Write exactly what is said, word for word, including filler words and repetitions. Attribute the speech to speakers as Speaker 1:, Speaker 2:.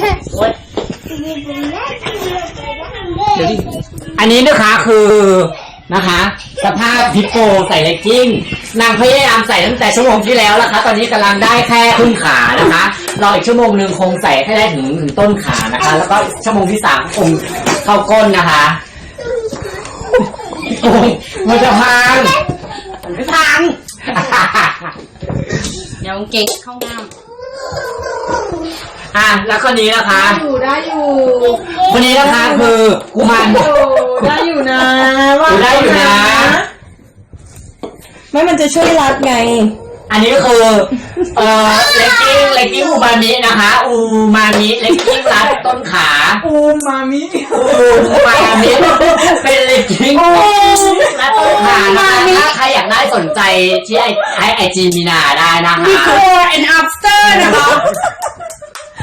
Speaker 1: อันนี้นะคะคือนะคะสภาพฮิปโปใส่เลกกิ้งนางพยายามใส่ตั้งแต่ชั่วโมงที่แล้วนะคะตอนนี้กำลังได้แค่ครึ่งขานะคะรออีกชั่วโมงหนึ่งคงใส่ให้ได้ถึงถึงต้นขานะคะแล้วก็ชั่วโมงที่สามคงเข้าก้นนะคะโอ้ยมันจะพังมันไม่พัง
Speaker 2: เดี๋ยวเก่งเข้าน้ำ
Speaker 1: อ่ะแล้วคนนี้นะคะ
Speaker 2: อยู่ได้อยู่
Speaker 1: คนนี้นะคะคือกุมาร
Speaker 2: ได้อยู่นะ
Speaker 1: ว่าได้อยู่นะ
Speaker 2: ไม่มันจะช่วยรัดไง
Speaker 1: อันนี้คือเอ่อเลกกิ้งเลกกิ้งอูมามินะคะอูมามิเลกกิ้งรัดต้นขา
Speaker 2: อูมามิ
Speaker 1: อูมามิเป็นเลกกิ้งรัดต้นขานะคะถ้าใครอยากได้สนใจที่ไอไอจีมีนาได้นะคะ
Speaker 2: Before and after นะคะ